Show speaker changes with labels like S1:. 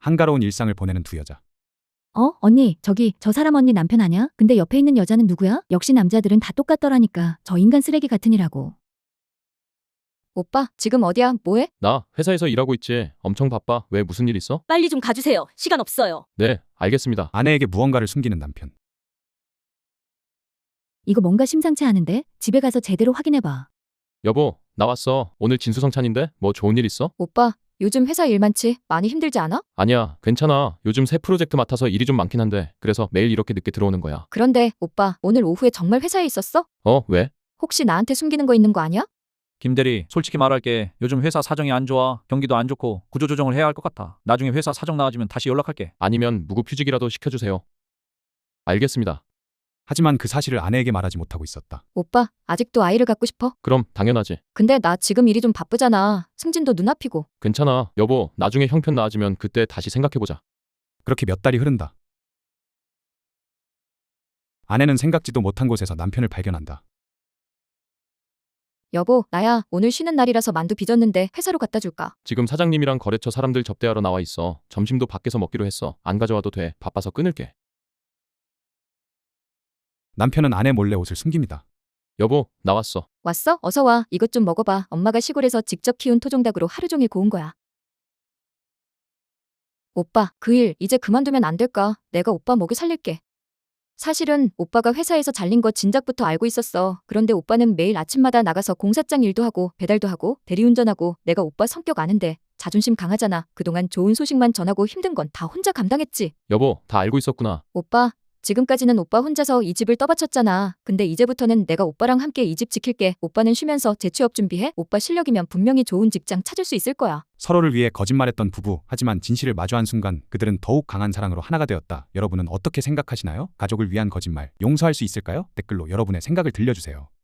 S1: 한가로운 일상을 보내는 두 여자.
S2: 언니, 저기 저 사람 언니 남편 아냐? 근데 옆에 있는 여자는 누구야? 역시 남자들은 다 똑같더라니까. 저 인간 쓰레기 같으니라고.
S3: 오빠, 지금 어디야? 뭐해?
S4: 나 회사에서 일하고 있지. 엄청 바빠. 왜 무슨 일 있어?
S5: 빨리 좀 가주세요. 시간 없어요.
S4: 네, 알겠습니다.
S1: 아내에게 무언가를 숨기는 남편.
S2: 이거 뭔가 심상치 않은데? 집에 가서 제대로 확인해봐.
S4: 여보, 나왔어. 오늘 진수성찬인데 뭐 좋은 일 있어?
S3: 오빠, 요즘 회사 일 많지? 많이 힘들지 않아?
S4: 아니야, 괜찮아. 요즘 새 프로젝트 맡아서 일이 좀 많긴 한데 그래서 매일 이렇게 늦게 들어오는 거야.
S3: 그런데 오빠, 오늘 오후에 정말 회사에 있었어?
S4: 왜?
S3: 혹시 나한테 숨기는 거 있는 거 아니야?
S6: 김대리, 솔직히 말할게. 요즘 회사 사정이 안 좋아. 경기도 안 좋고 구조조정을 해야 할 것 같아. 나중에 회사 사정 나아지면 다시 연락할게.
S4: 아니면 무급휴직이라도 시켜주세요. 알겠습니다.
S1: 하지만 그 사실을 아내에게 말하지 못하고 있었다.
S3: 오빠, 아직도 아이를 갖고 싶어?
S4: 그럼 당연하지.
S3: 근데 나 지금 일이 좀 바쁘잖아. 승진도 눈앞이고.
S4: 괜찮아. 여보, 나중에 형편 나아지면 그때 다시 생각해보자.
S1: 그렇게 몇 달이 흐른다. 아내는 생각지도 못한 곳에서 남편을 발견한다.
S3: 여보, 나야. 오늘 쉬는 날이라서 만두 빚었는데 회사로 갖다 줄까?
S4: 지금 사장님이랑 거래처 사람들 접대하러 나와 있어. 점심도 밖에서 먹기로 했어. 안 가져와도 돼. 바빠서 끊을게.
S1: 남편은 아내 몰래 옷을 숨깁니다.
S4: 여보, 나왔어.
S3: 왔어? 어서 와. 이것 좀 먹어봐. 엄마가 시골에서 직접 키운 토종닭으로 하루 종일 고운 거야. 오빠, 그 일 이제 그만두면 안 될까? 내가 오빠 먹여 살릴게. 사실은 오빠가 회사에서 잘린 거 진작부터 알고 있었어. 그런데 오빠는 매일 아침마다 나가서 공사장 일도 하고 배달도 하고 대리운전하고 내가 오빠 성격 아는데 자존심 강하잖아. 그동안 좋은 소식만 전하고 힘든 건 다 혼자 감당했지.
S4: 여보, 다 알고 있었구나.
S3: 오빠, 지금까지는 오빠 혼자서 이 집을 떠받쳤잖아. 근데 이제부터는 내가 오빠랑 함께 이 집 지킬게. 오빠는 쉬면서 재취업 준비해. 오빠 실력이면 분명히 좋은 직장 찾을 수 있을 거야.
S1: 서로를 위해 거짓말했던 부부. 하지만 진실을 마주한 순간 그들은 더욱 강한 사랑으로 하나가 되었다. 여러분은 어떻게 생각하시나요? 가족을 위한 거짓말 용서할 수 있을까요? 댓글로 여러분의 생각을 들려주세요.